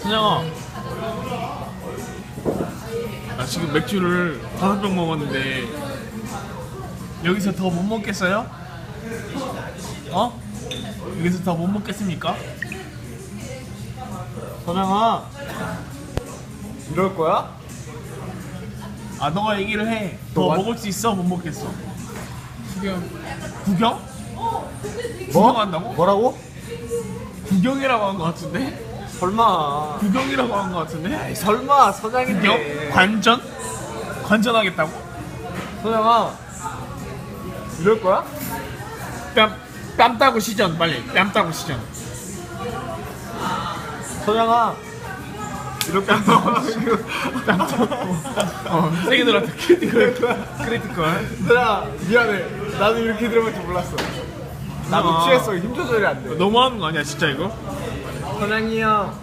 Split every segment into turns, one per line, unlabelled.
선영아, 나 지금 맥주를 5병 먹었는데 여기서 더 못 먹겠어요? 어? 여기서 더 못 먹겠습니까?
선영아, 이럴 거야?
아, 너가 얘기를 해. 더
너가-
먹을 수 있어? 못 먹겠어? 구경. 구경?
뭐?
구경한다고?
뭐라고?
구경이라고 한 거 같은데?
설마.
구경이라고 한 거 같은데?
에이, 설마 선영인데.
구경? 관전? 관전하겠다고?
선영아, 이럴 거야?
뺨 따고 시전 빨리. 뺨 따고 시전.
선영아, 이럴 거야?
뺨 따고. 세게 들어왔다. 크리티컬.
선영아, 미안해. 나도 이렇게 들어볼 줄 몰랐어. 나도
아.
취했어. 힘 조절이 안 돼.
너무하는 거 아니야 진짜 이거?
선영이 형.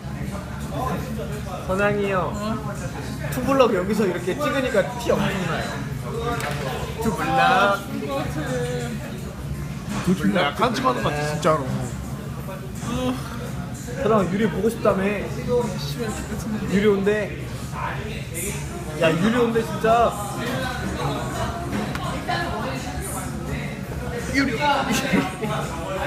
선영이 형. 투블럭 여기서 이렇게 찍으니까 티 엄청나요. 투블럭.
그 약간 좀 하는 거 같아 진짜로.
선영아, 유리 보고 싶다며. 유리 온대. 야, 유리 온대 진짜.
유리.